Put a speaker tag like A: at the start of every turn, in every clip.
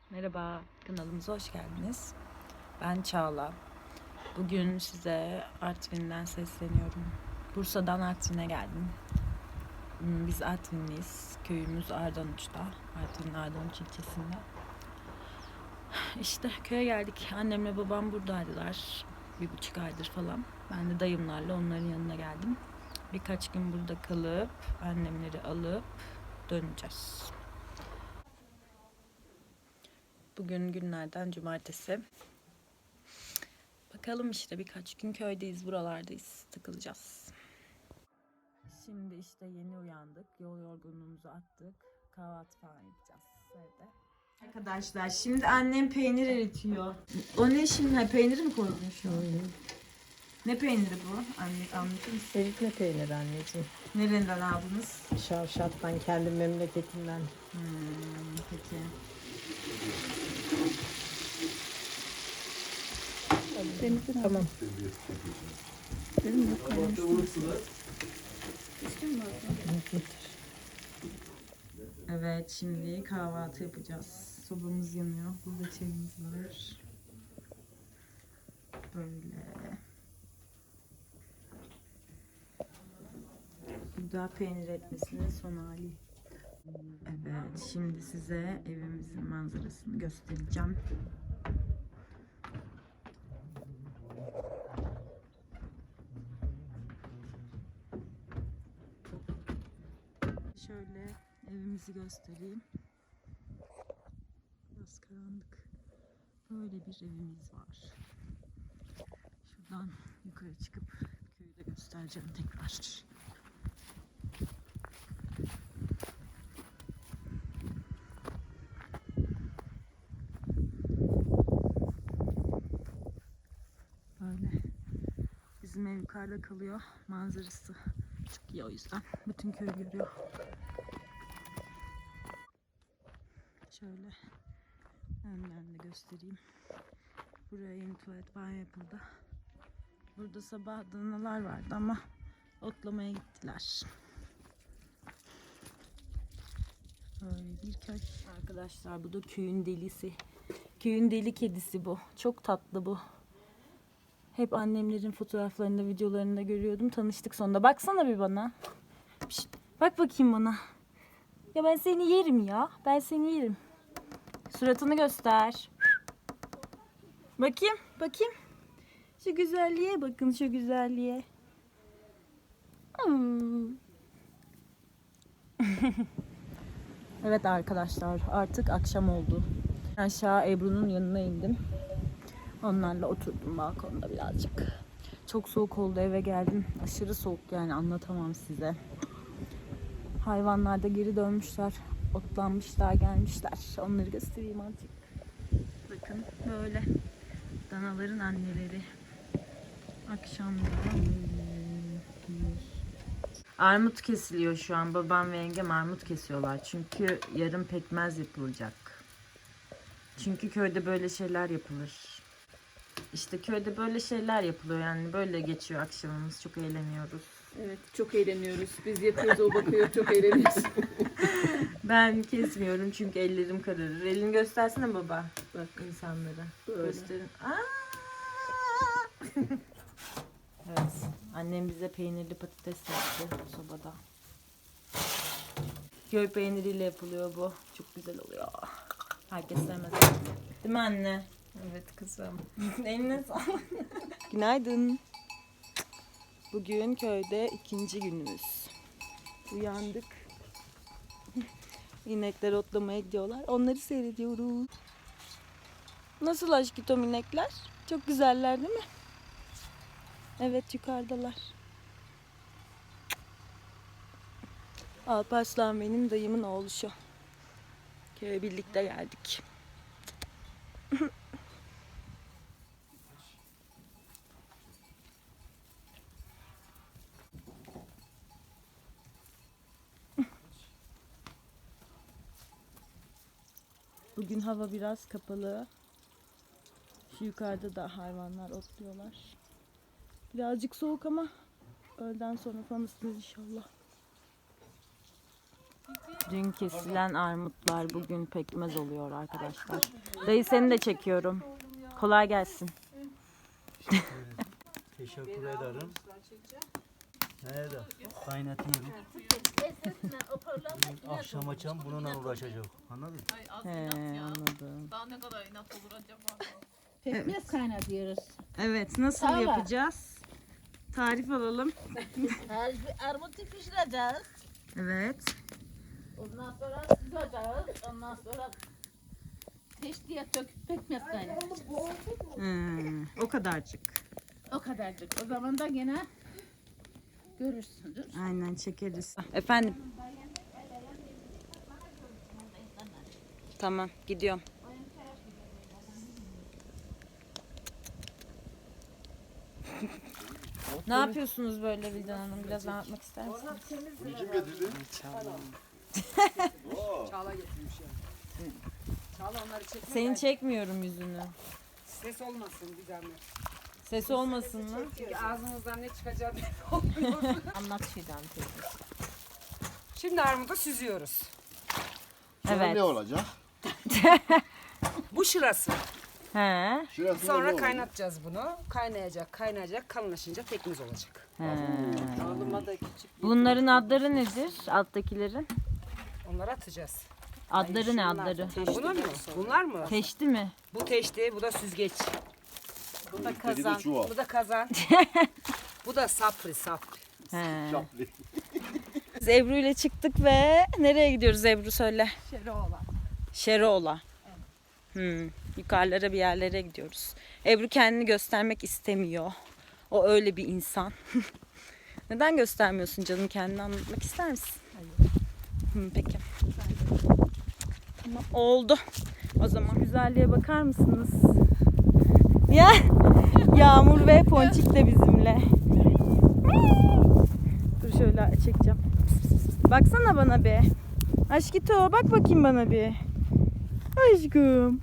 A: Merhaba, kanalımıza hoş geldiniz. Ben Çağla. Bugün size Artvin'den sesleniyorum. Bursa'dan Artvin'e geldim. Biz Artvinliyiz. Köyümüz Ardanuç'ta. Artvin'in Ardanuç ilçesinde. İşte köye geldik. Annemle babam buradaydılar. 1,5 aydır falan. Ben de dayımlarla onların yanına geldim. Birkaç gün burada kalıp annemleri alıp döneceğiz. Bugün günlerden cumartesi. Bakalım işte birkaç gün köydeyiz, buralardayız, takılacağız. Şimdi işte yeni uyandık, yol yorgunluğumuzu attık, kahvaltı falan yapacağız evde. Arkadaşlar şimdi annem peynir eritiyor. O ne şimdi? Ha, peyniri mi koydun şu an? Ne peyniri bu? Anne anlatır mısın?
B: Eritme peyniri anneciğim.
A: Nereden aldınız?
B: Şavşat'tan, kendi memleketimden.
A: Peki.
B: Tamam.
A: Evet, şimdi kahvaltı yapacağız. Sobamız yanıyor. Burada çayımız var. Böyle. Bu da peynir etmesinin son hali. Evet, şimdi size evimizin manzarasını göstereceğim. Şöyle evimizi göstereyim. Biraz karanlık. Böyle bir evimiz var. Şuradan yukarı çıkıp köyü de göstereceğim tekrar. Böyle. Bizim ev yukarıda kalıyor. Manzarası çok iyi o yüzden. Bütün köyü görüyor. Şöyle önden de göstereyim. Buraya yeni tuvalet banyo yapıldı. Burada sabah danalar vardı ama otlamaya gittiler. Böyle bir köy. Arkadaşlar bu da köyün delisi. Köyün deli kedisi bu. Çok tatlı bu. Hep annemlerin fotoğraflarında, videolarında görüyordum. Tanıştık sonunda. Baksana bir bana. Pişt, bak bakayım bana. Ya ben seni yerim ya. Ben seni yerim. Suratını göster. Bakayım, bakayım. Şu güzelliğe bakın, şu güzelliğe. Evet arkadaşlar, artık akşam oldu. Aşağı Ebru'nun yanına indim. Onlarla oturdum balkonda birazcık. Çok soğuk oldu, eve geldim. Aşırı soğuk, yani anlatamam size. Hayvanlar da geri dönmüşler. Otlanmışlar, gelmişler. Onları göstereyim azıcık. Bakın böyle. Danaların anneleri. Akşamda. Armut kesiliyor şu an. Babam ve yengem armut kesiyorlar. Çünkü yarın pekmez yapılacak. Çünkü köyde böyle şeyler yapılır. İşte köyde böyle şeyler yapılıyor, yani böyle geçiyor akşamımız. Çok eğleniyoruz.
B: Evet, çok eğleniyoruz. Biz yapıyoruz, o bakıyor, çok eğleniyoruz.
A: Ben kesmiyorum çünkü ellerim kararır. Elini göstersene baba.
B: Bak
A: İnsanlara.
B: böyle.
A: Gösterin. Evet. Annem bize peynirli patates yaptı sobada. Köy peyniriyle yapılıyor bu. Çok güzel oluyor. Herkes sevmez. Değil mi anne?
B: Evet kızım.
A: Eline sağlık. Günaydın. Bugün köyde ikinci günümüz. Uyandık. İnekler otlamaya gidiyorlar. Onları seyrediyoruz. Nasıl aşkım inekler? Çok güzeller değil mi? Evet, yukarıdalar. Alparslan benim dayımın oğluşu. Köye birlikte geldik. Bugün hava biraz kapalı. Şu yukarıda da hayvanlar otluyorlar. Birazcık soğuk ama öğleden sonra falan ısınır inşallah. Dün kesilen armutlar bugün pekmez oluyor arkadaşlar. Dayı seni de çekiyorum. Kolay gelsin.
C: Teşekkür ederim. Nerede? Kaynatıyorum. Akşam açam bununla uğraşacak. Anladın mı?
A: He, anladım.
B: Daha ne kadar inat olur acaba?
D: Pekmez kaynatıyoruz.
A: Evet, nasıl
D: Tava.
A: yapacağız? Tarif alalım.
D: Armutu pişireceğiz.
A: Evet.
D: Ondan sonra sızacağız. Ondan sonra teştiye döküp pekmez kaynatacağız.
A: O kadarcık.
D: O kadarcık. O zaman da gene görürsünüz.
A: Aynen çekeriz. Efendim. Tamam, gidiyorum. Ne yapıyorsunuz böyle Vildan Hanım? Biraz anlatmak ister misiniz?
E: Çağla getirmiş yani. Çağla onları çekme.
A: Seni çekmiyorum yüzünü.
E: Ses olmasın bir zahmet.
A: Ses olmasın mı?
E: Çünkü ağzımızdan ne çıkacak
D: Anlat Fidan teyze.
E: Şimdi armudu süzüyoruz.
F: Sonra
A: Evet.
F: ne olacak?
E: Bu şırası.
A: He.
F: Şurası
E: Sonra kaynatacağız bunu. Kaynayacak. Kalınlaşınca pekmez olacak.
A: He.
B: Oğluma da küçük.
A: Bunların adları nedir? Alttakilerin?
E: Onları atacağız.
A: Adları ne adları?
E: Bunlar mı? Bunlar mı?
A: Teşti mi?
E: Bu teşti, bu da süzgeç.
B: Bu da
F: kazan.
B: kazan.
F: Çuval.
E: Bu da kazan. Bu da sapri.
A: He.
F: Çaplı.
A: Biz Ebru ile çıktık ve nereye gidiyoruz Ebru söyle.
B: Şeroğlan.
A: Şeroğla. Yukarılara bir yerlere gidiyoruz. Ebru kendini göstermek istemiyor. O öyle bir insan. Neden göstermiyorsun canım, kendini anlatmak ister misin? Hayır. Peki. Tamam, oldu. O zaman güzelliğe bakar mısınız? Ya Yağmur ve Ponçik de bizimle. Dur şöyle çekeceğim. Baksana bana bir. Aşkito bak bakayım bana bir. Aşkım.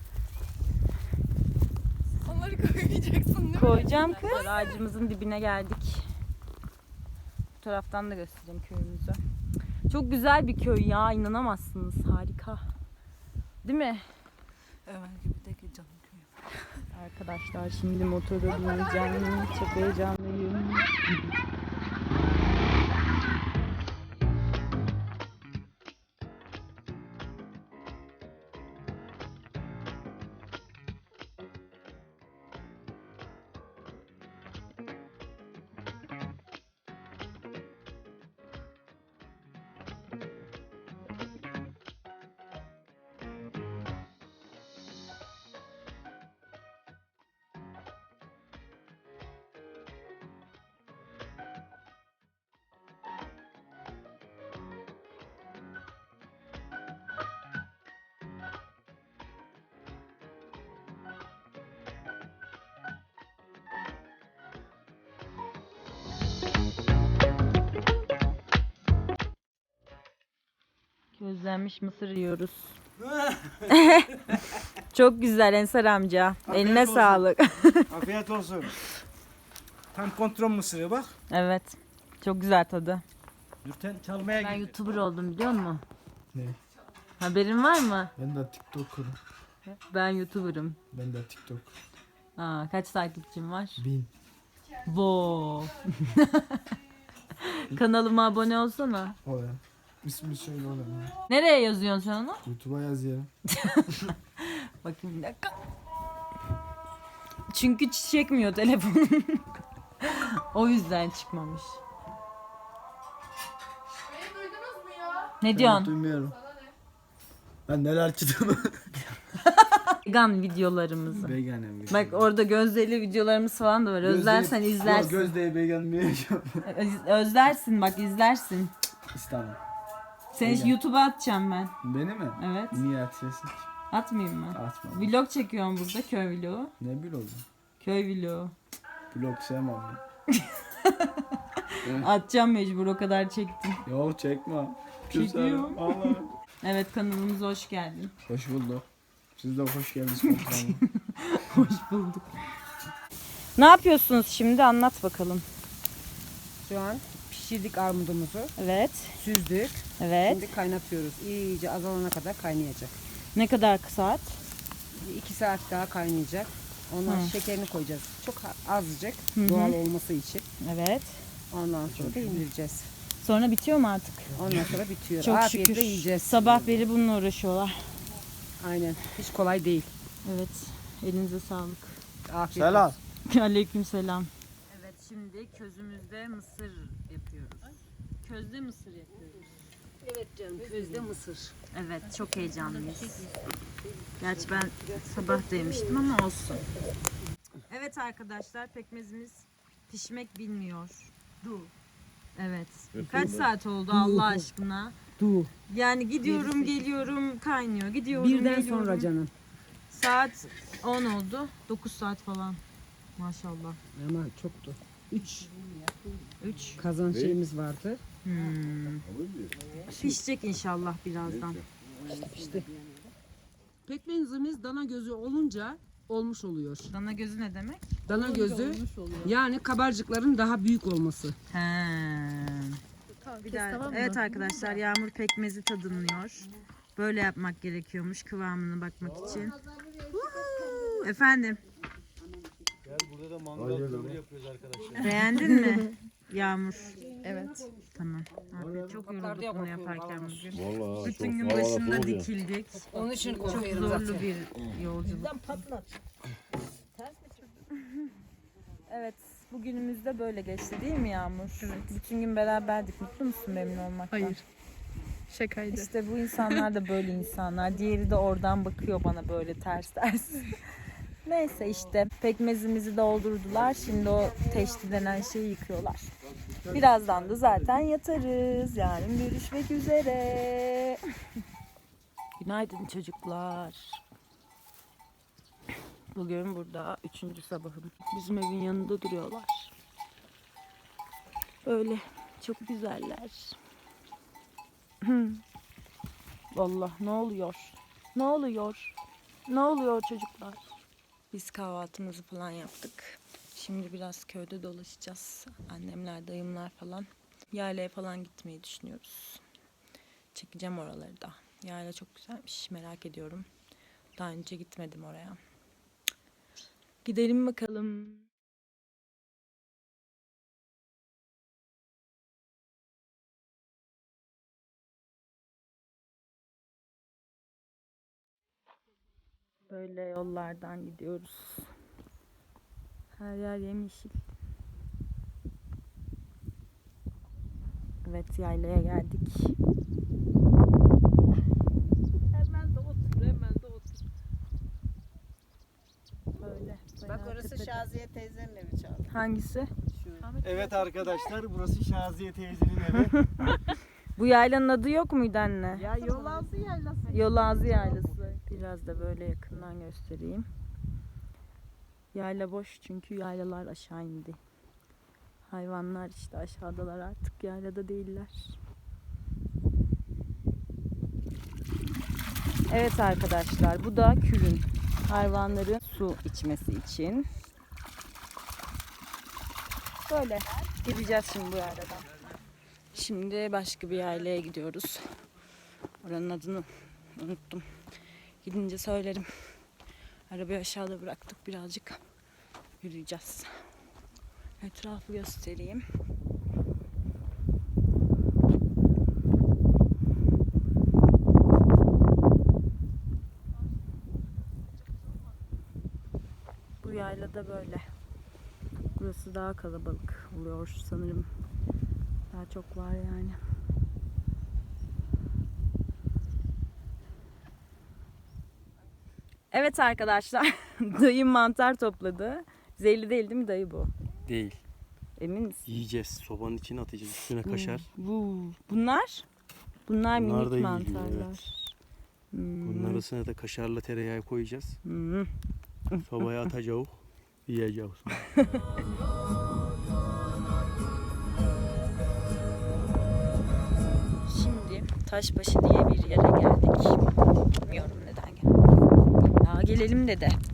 B: Onları koymayacaksın değil mi?
A: Koyacağım kız. Ağacımızın dibine geldik. Bu taraftan da göstereyim köyümüzü. Çok güzel bir köy ya, inanamazsınız. Harika. Değil mi?
B: Ömer gibi de canım köyüm.
A: Arkadaşlar şimdi motora bineceğim. Çok heyecanlıyım. Közlenmiş mısır yiyoruz. Çok güzel Ensar amca. Eline
C: olsun.
A: sağlık.
C: Afiyet olsun. Tam kontrol mısırı bak.
A: Evet. Çok güzel tadı.
C: Nurten çalmaya
A: Ben
C: gitti.
A: YouTuber oldum biliyor musun?
G: Ne?
A: Haberin var mı?
G: Ben de TikToker'ım.
A: Ben YouTuber'ım.
G: Ben de TikTok.
A: Kaç takipçim var?
G: 1000.
A: Wow. Kanalıma abone olsana.
G: O ya. İsmi söyle oğlum ya.
A: Nereye yazıyorsun sen onu?
G: YouTube'a yaz ya.
A: Bakayım bir dakika. Çünkü çekmiyor telefonum. O yüzden çıkmamış.
B: Beni duydunuz mu ya?
A: Ne
G: Ben
A: diyorsun?
G: duymuyorum. Ben neler çıktığımı.
A: Vegan videolarımızı.
G: Veganem.
A: Bak orada Gözde'li videolarımız falan da var. Özlersen izlersin.
G: Gözde'yi vegan mi yaşam?
A: Özlersin bak, izlersin.
G: İstemem.
A: Seni
G: Vegan.
A: YouTube'a atacağım ben.
G: Beni mi?
A: Evet.
G: Niye atıyorsun?
A: Atmayayım mı?
G: Atma.
A: Vlog çekiyorum burada, köy vlogu.
G: Ne bil oldu?
A: Köy vlogu.
G: Blog sevmem ben.
A: Atacağım mecbur, o kadar çektim.
G: Yok çekme.
A: Çekiyorum.
G: Allah.
A: Evet, kanalımıza hoş geldin.
G: Hoş bulduk. Siz de hoş geldiniz komutanım.
A: Hoş bulduk. Ne yapıyorsunuz şimdi, anlat bakalım.
E: Şu an Pişirdik armudumuzu.
A: Evet.
E: Süzdük.
A: Evet.
E: Şimdi kaynatıyoruz. İyice azalana kadar kaynayacak.
A: Ne kadar saat?
E: 2 saat daha kaynayacak. Ondan
A: Hı.
E: şekerini koyacağız. Çok azıcık
A: hı.
E: doğal olması için.
A: Evet.
E: Ondan sonra da indireceğiz.
A: Sonra bitiyor mu artık?
E: Ondan sonra bitiyor.
A: Çok
E: Afiyetle
A: şükür.
E: yiyeceğiz.
A: Sabah beri bununla uğraşıyorlar.
E: Aynen. Hiç kolay değil.
A: Evet. Elinize sağlık.
E: Afiyet
C: Selam.
E: olsun.
A: Aleykümselam. Evet, şimdi közümüzde mısır yapıyoruz. Közde mısır yapıyoruz.
E: Evet canım. Közde mısır.
A: Evet, çok heyecanlıyız. Gerçi ben sabah da yemiştim ama olsun. Evet arkadaşlar, pekmezimiz pişmek bilmiyor. Evet. Kaç saat oldu Allah aşkına?
E: Du.
A: Yani gidiyorum geliyorum kaynıyor. Gidiyorum
E: Birden
A: geliyorum.
E: sonra canım.
A: Saat 10 oldu. 9 saat falan. Maşallah.
E: Ama çoktu. 3
A: 3.
E: kazan şeyimiz vardı.
A: Pişecek inşallah birazdan.
E: İşte. Pekmezimiz dana gözü olunca olmuş oluyor.
A: Dana gözü ne demek?
E: Dana gözü yani kabarcıkların daha büyük olması.
A: He.
D: Bir daha, tamam mı?
A: Evet arkadaşlar, Yağmur pekmezi tadımlıyor. Böyle yapmak gerekiyormuş kıvamına bakmak için. Huhu! Efendim.
C: Burada da mangal yapıyoruz arkadaşlar.
A: Beğendin mi Yağmur?
D: Evet.
A: Tamam. Abi, çok yorulduk bunu yaparken bugün.
F: Vallahi
A: Bütün
F: çok
A: gün
F: havalar
A: başında
F: soğuk ya.
A: dikildik.
E: Onun için
A: Çok
E: korkuyorum
A: zorlu
E: zaten.
A: bir yolculuk. Evet, bugünümüz de böyle geçti değil mi Yağmur? Evet. Bütün gün beraberdik. Mutlu musun memnun olmaktan?
D: Hayır. Şakaydı.
A: İşte bu insanlar da böyle insanlar. Diğeri de oradan bakıyor bana böyle ters ters. Neyse işte pekmezimizi doldurdular. Şimdi o teşti denen şeyi yıkıyorlar. Birazdan da zaten yatarız. Yarın görüşmek üzere. Günaydın çocuklar. Bugün burada 3. sabahım. Bizim evin yanında duruyorlar. Böyle çok güzeller. Allah, ne oluyor? Ne oluyor? Ne oluyor çocuklar? Biz kahvaltımızı falan yaptık. Şimdi biraz köyde dolaşacağız. Annemler, dayımlar falan. Yaylaya falan gitmeyi düşünüyoruz. Çekeceğim oraları da. Yayla çok güzelmiş. Merak ediyorum. Daha önce gitmedim oraya. Gidelim bakalım. Böyle yollardan gidiyoruz. Her yer yemyeşil. Evet, yaylaya geldik. Hemen de otur, hemen de otur. Böyle.
D: Bak
A: bayağı
D: orası
A: tepede.
D: Şaziye teyzenin evi çaldı.
A: Hangisi?
C: Evet arkadaşlar, burası Şaziye teyzenin evi.
A: Bu yaylanın adı yok muydu anne?
D: Ya Yolazı yaylası.
A: Yolazı Yaylası. Biraz da böyle yakından göstereyim. Yayla boş çünkü yaylalar aşağı indi. Hayvanlar işte aşağıdalar, artık yaylada değiller. Evet arkadaşlar, bu da külün. Hayvanların su içmesi için. Böyle gideceğiz şimdi bu yayladan. Şimdi başka bir yaylaya gidiyoruz. Oranın adını unuttum. Gidince söylerim. Arabayı aşağıda bıraktık, birazcık yürüyeceğiz. Etrafı göstereyim. Bu yaylada böyle. Burası daha kalabalık oluyor sanırım. Daha çok var yani. Evet arkadaşlar, dayım mantar topladı. Zehirli değil değil mi dayı bu?
H: Değil.
A: Emin misin?
H: Yiyeceğiz. Sobanın içine atacağız. Üstüne kaşar.
A: Bunlar? Bunlar
H: Bunlar
A: minik
H: da iyi
A: mantarlar.
H: geliyor, evet. Bunun arasına da kaşarla tereyağı koyacağız.
A: Hmm.
H: Sobaya atacağız. Yiyeceğiz.
A: Şimdi Taşbaşı diye bir yere geldik. Bilmiyorum neden geldik. Ya gelelim dedi.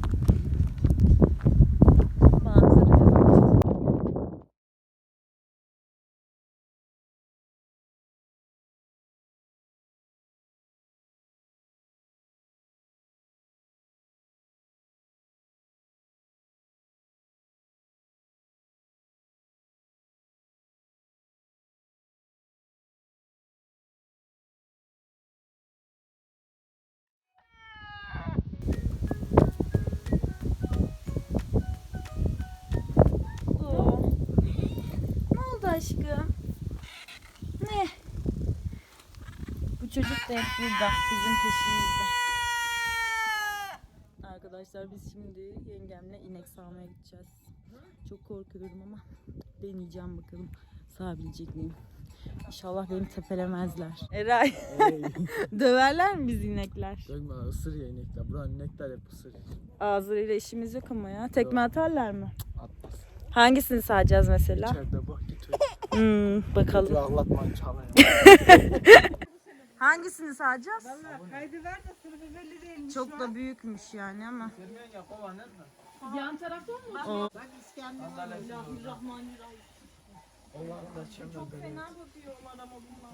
A: aşkım. Ne? Bu çocuk da hep burada. Bizim peşimizde. Arkadaşlar biz şimdi yengemle inek sağmaya gideceğiz. Çok korkuyorum ama deneyeceğim bakalım. Sağabilecek miyim? İnşallah beni tepelemezler. Eray. Döverler mi biz inekler?
G: Dökme lan, ısır ya inekler. Buranın inekler hep ısır.
A: Ağzıyla işimiz yok ama ya. Tekme atarlar mı?
G: Atmaz.
A: Hangisini sağacağız mesela?
G: İçeride bak git öyle.
A: Bakalım.
G: Ağlatma çala ya.
A: Hangisini sağacağız?
D: Kaydı ver de sırf belli değilmiş.
A: Çok da büyükmüş yani ama.
B: Yan tarafta mı?
D: Bak İskender.
A: Çok fena bakıyorlar ama bunlar.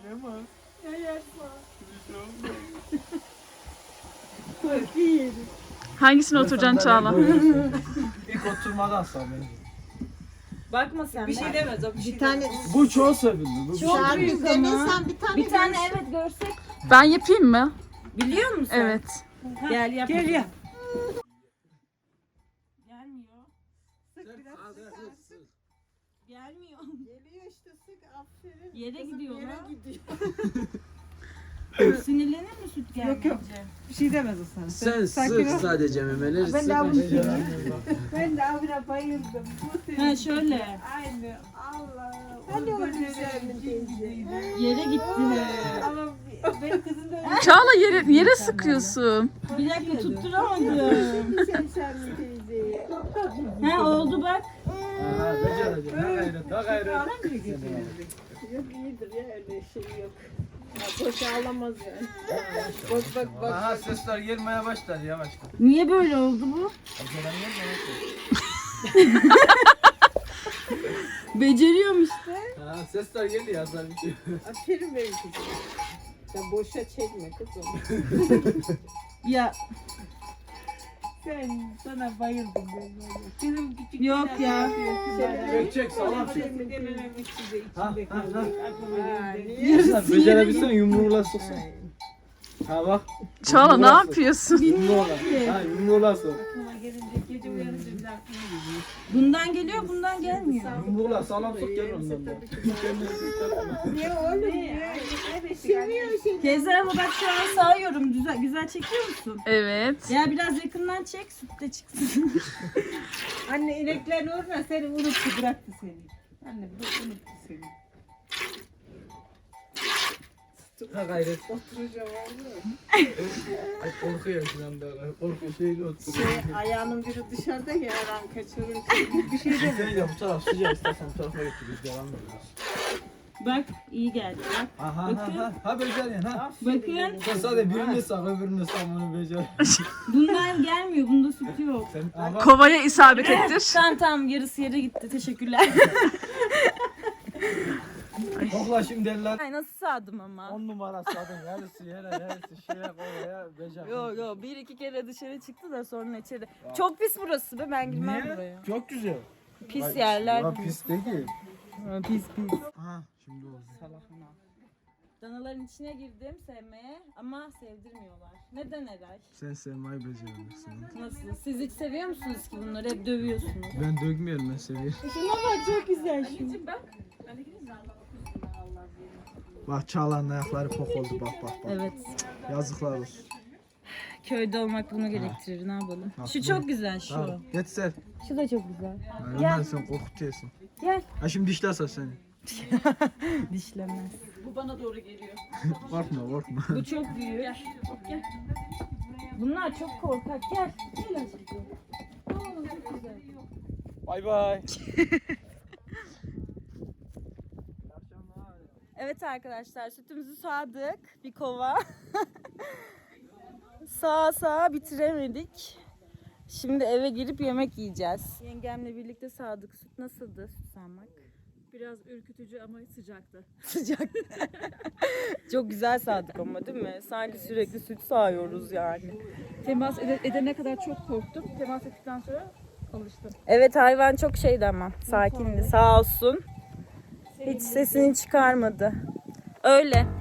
D: Hangisine oturacaksın Çağla?
C: İlk oturmadan sağ bence.
A: Bakma sen. Bir şey demez o.
D: Bir tane
G: Bu çok sevildi. Bu
A: Çok büyük ama.
D: denesen
A: Bir tane evet görsek.
D: Ben yapayım mı?
A: Biliyor musun?
D: Evet.
A: Gel yap. Gel yap. Gelmiyor. Gelmiyor.
D: Geliyor işte sık aferin.
A: Yere gidiyor
D: Yere
A: lan.
D: gidiyor.
A: Sinirlenir mi süt gelmeyince?
D: Bir şey demez o sana.
G: Sen sık sadece memeleri
D: Ben
G: sık.
D: de avına ben de avına bayıldım. Bu senin.
A: Ha şöyle.
D: Aynı. Allah. Hani o güzel mi teyze?
A: Yere gitti.
D: Ama benim kızım da öyle.
F: Çağla yere sıkıyorsun.
A: Bir dakika tutturamadım.
D: Sen mi teyze?
A: Ha oldu bak.
G: Ha becereceğim. Ha gayret. Ha gayret.
D: Yok iyidir ya öyle şey yok. Ya boş ağlamaz yani. Bak.
C: Aha sesler gelmeye başlar yavaştan.
A: Niye böyle oldu bu? Beceriyorum işte.
G: Ha sesler geldi ya sen bitiyor.
D: Aferin benim kızım. Sen boşa çekme kızım.
A: Ya
D: Sana bayıldım ben. Benim küçük
A: yok ya.
C: Çek salam çek.
D: dememek size
C: Ha
D: içinde
C: ha
D: kalıyor.
C: ha.
D: Aklıma
C: Sen becerebilsen yumruğuyla soksan. Ha bak.
F: Çağla ne yapıyorsun?
C: Yumruğuyla. Ha yumruğuyla sok.
D: gelince gece uyanınca bir de aklıma geliyor.
A: Bundan geliyor bundan gelmiyor.
C: Yumruğuyla sağlam sok gel ondan da.
D: Niye oğlum? Seviyor seni.
A: Teyze ama bak şu an sağıyorum. Güzel çekiyor musun?
F: Evet.
A: Ya biraz yakından çek süt de çıksın.
D: Anne inekler uğruna seni unuttu bıraktı seni. Anne bu unuttu seni.
C: Ha gayret.
D: Oturacağım oğlum.
C: Korkuyor şu anda. Korku şeyle oturuyor.
D: Ayağının biri dışarıda ya her an kaçırır. Bir şey de
C: Sen ya bu taraf sıcak istersen bu tarafa getir biz devam ediyoruz.
A: Bak iyi geldi. Bak.
C: Aha ha ha beceriyorsun ha.
A: Bakın
C: Sen sadece birini sağ öbürünü sağ bunu becer.
A: bundan gelmiyor. Bunda süt yok.
C: Sen ama
F: Kovaya isabet ettir.
A: Tamam yarısı yere gitti. Teşekkürler.
C: kokla şimdi eller.
A: Ay nasıl sağdım ama.
C: 10 numara sağdın yarısı yere yarısı şeye oraya becer.
A: Yo bir iki kere dışarı çıktı da sonra içeri. Çok pis burası be ben girmem buraya.
C: Niye? Çok güzel.
A: Pis yerler.
C: Ya pis değil.
A: Pis.
C: Aha şimdi oldu.
A: Danaların içine girdim sevmeye ama sevdirmiyorlar. Neden Eray?
C: Sen sevmeyi beceremezsin.
A: Nasıl? Siz hiç seviyor musunuz ki bunları? Hep dövüyorsunuz.
C: Ben dökmüyorum ben seviyorum.
A: Şuna bak çok güzel şu.
C: Bak Çağla'nın ayakları pok oldu bak.
A: Evet.
C: Yazıklar olsun.
A: Köyde olmak bunu gerektirir. Ne yapalım?
C: Ha,
A: Şu
C: bu-
A: çok güzel şu.
C: Tamam. Yeter.
A: Şu da çok güzel.
C: Ömer sen korkutuyorsun.
A: Gel.
C: Ha şimdi dişlerse seni.
A: Dişlemez.
B: Bu bana doğru geliyor.
C: Korkma.
A: Bu çok büyük. Gel. Bunlar çok korkak. Gel. Gel aşkım. Aa, çok güzel.
C: Bay bay.
A: Evet arkadaşlar sütümüzü sağdık. Bir kova. Sağa bitiremedik. Şimdi eve girip yemek yiyeceğiz. Yengemle birlikte sağdık. Süt nasıldı süt sağmak?
B: Biraz ürkütücü ama sıcaktı.
A: Sıcak. Çok güzel sağdık ama değil mi? Sanki sürekli süt sağıyoruz yani.
B: Temas edene kadar çok korktum. Temas ettikten sonra alıştım.
A: Evet hayvan çok şeydi ama sakindi sağ olsun. Hiç sesini çıkarmadı. Öyle.